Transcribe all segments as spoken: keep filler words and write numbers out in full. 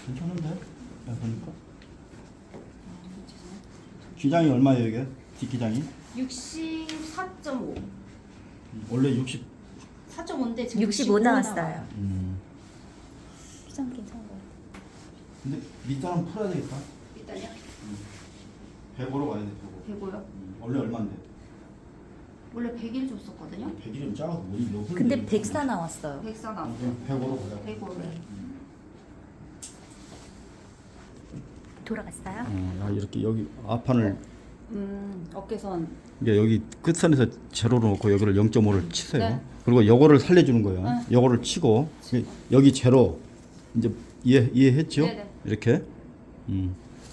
괜찮은데? 야, 보니까. 기장이 얼마예요, 이게? 뒷기장이? 육십사 점 오. 원래 육십. 사 점 오인데 지금 육십오 나왔어요. 음. 시장 괜찮은 것 같아요. 근데 밑단은 풀어야 되겠다. 일단요. 백오로 가야 돼, 백오. 백오요. 음. 원래 얼마인데? 원래 백일 줬었거든요. 백일이면 작아서 뭐지? 몇 분인데 근데 이거? 백사 나왔어요. 백사 어, 나왔어요. 그럼 백오로 가자. 백오를. 돌아갔어요? 어, 야, 이렇게 여기 앞판을 음 어깨선. 이게 여기 끝선에서 제로로 놓고 여기를 영 점 오를 치세요. 네. 그리고 요거를 살려주는 거예요. 네. 요거를 치고 여기 제로 이제 이해 이해했죠? 네네. 이렇게. 음.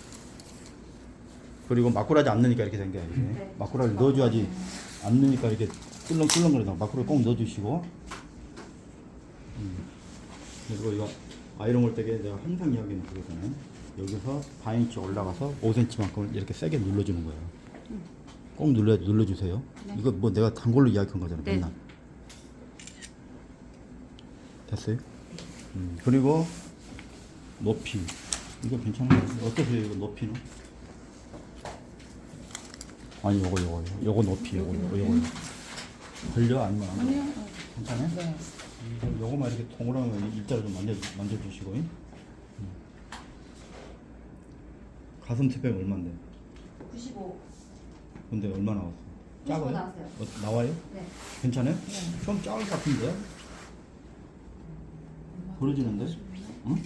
그리고 막꾸라지 안 넣으니까 이렇게 된 거야. 이게. 네. 막꾸라지 넣어줘야지 안 넣으니까 이렇게 꿀렁꿀렁거리다. 막꾸라지 꼭 넣어주시고. 음. 그리고 이거 아이롱 올 때게 내가 항상 이야기하는 그거잖아요. 여기서 반인치 올라가서 오 센티미터만큼 이렇게 세게 눌러주는 거예요. 꼭 눌러 눌러주세요. 네. 이거 뭐 내가 단골로 이야기한 거잖아요. 네. 맨날. 됐어요? 음, 그리고 높이 이거 괜찮은 거 같아요. 어떠세요? 이거 높이는? 아니 요거 요거 요거 높이 요거 요거 요거 걸려 아니면 안 걸려? 괜찮아요? 네. 음, 요거만 이렇게 동그라미 일자로 좀 만져 만져주시고. 음. 가슴 스펙 얼마인데? 구십오. 근데 얼마 나왔어? 작아요? 나왔어요. 어, 나와요? 네. 괜찮아요? 좀 작을 것 같은데? 부러지는데? 응?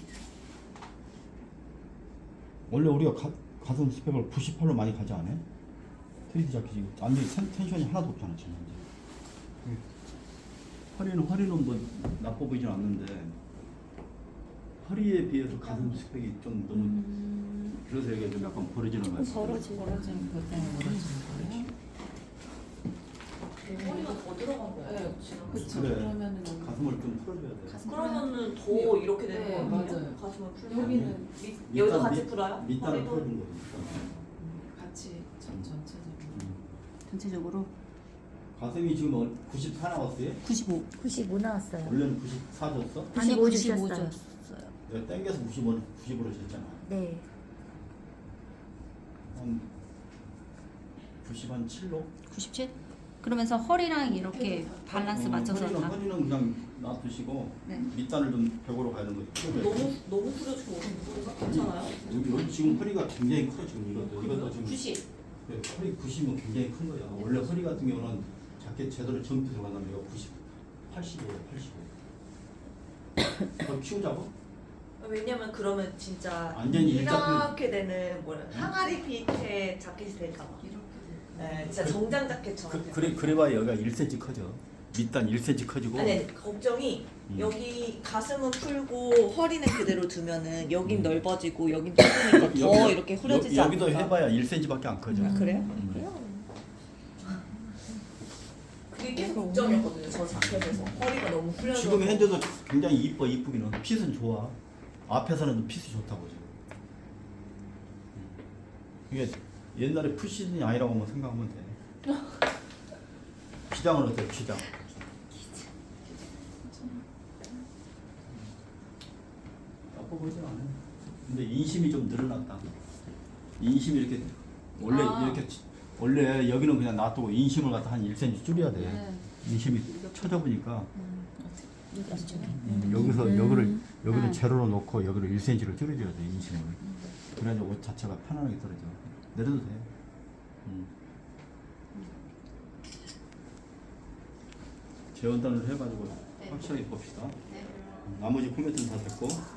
원래 우리가 가, 가슴 스펙을 구십팔로 많이 가지 않아요? 트위드 자켓이 완전히 텐, 텐션이 하나도 없잖아 지금 이제. 허리는 허리는 뭐 나빠 보이진 않는데 허리에 비해서 가슴 스펙이 좀 너무 그래서 이게 좀 약간 벌어지는 것 같아요. 벌어지 벌어지는 것 때문에 벌어지는 거예요? 허리가 더 들어간 거예요. 네, 그쵸. 그래. 그러면은 가슴을 좀 풀어줘야 돼. 그러면은 더 이렇게 되는 네, 거예요. 맞아요. 가슴을 풀면 여기는 밑, 여기도 같이 풀어요? 밑단을 허리도? 풀어준 거니까. 같이 전 전체적으로. 전체적으로 가슴이 지금 어- 구십사 나왔어요? 구십오. 구십오 나왔어요. 원래는 구십사 줬어? 아니 구십오 구십오 주셨어요. 줬어요. 내가 땡겨서 구십오는 구십으로 줬잖아. 네. 한 구십 한 칠로? 구십칠? 그러면서 허리랑 이렇게 밸런스 맞춰서 허리는, 다. 허리는 그냥 놔두시고 네. 밑단을 좀 백오로 가는 거죠. 너무 너무 풀어주고 괜찮아요? 여기, 여기 지금 허리가 굉장히 커 지금 이것도 이것도 지금 구십. 네, 허리 구십은 굉장히 큰 거야. 원래 허리 같은 경우는 자켓 제대로 점프 들어간다면 이거 구십, 팔십오예요, 팔십오. 그럼 키우자고? 왜냐면 그러면 진짜 완전히 이렇게 되는 뭐라 항아리 빛의 자켓이 될까 봐. 이렇게 네, 진짜 그- 정장 자켓처럼. 그, 그래 그래봐야 여기가 일 센티미터 커져. 밑단 일 센티미터 커지고. 아니, 아니 걱정이 음. 여기 가슴은 풀고 허리는 그대로 두면은 여긴 음. 넓어지고 여긴 좁으니까 더 여기- 이렇게 후려지지 여, 여기도 않을까. 해봐야 일 센티미터밖에 안 커져. 아 그래요? 음. 그래요? 그게 계속 걱정이었거든요. 저 자켓에서 허리가 너무 풀려서. 지금 현재도 굉장히 이뻐 이쁘기는 핏은 좋아. 앞에서는 핏이 좋다고 지금. 이게 옛날에 풀시즌이 아니라고 뭐 생각하면 돼. 기장은 어때? 기장. 나빠 보이진 않아요. 근데 인심이 좀 늘어났다. 인심이 이렇게 원래 아. 이렇게 치- 원래 여기는 그냥 놔두고 인심을 갖다 한 일 센티미터 줄여야 돼. 네. 인심이 쳐져보니까 여기죠. 음, 여기서 여기를 여기를 음. 제로로 놓고 여기를 일 센티미터를 줄여줘야 돼 인심을. 그래야지 옷 자체가 편안하게 떨어져. 내려도 돼. 음. 재원단을 해가지고 네. 확실하게 봅시다. 네. 음, 나머지 코멘트는 다 됐고.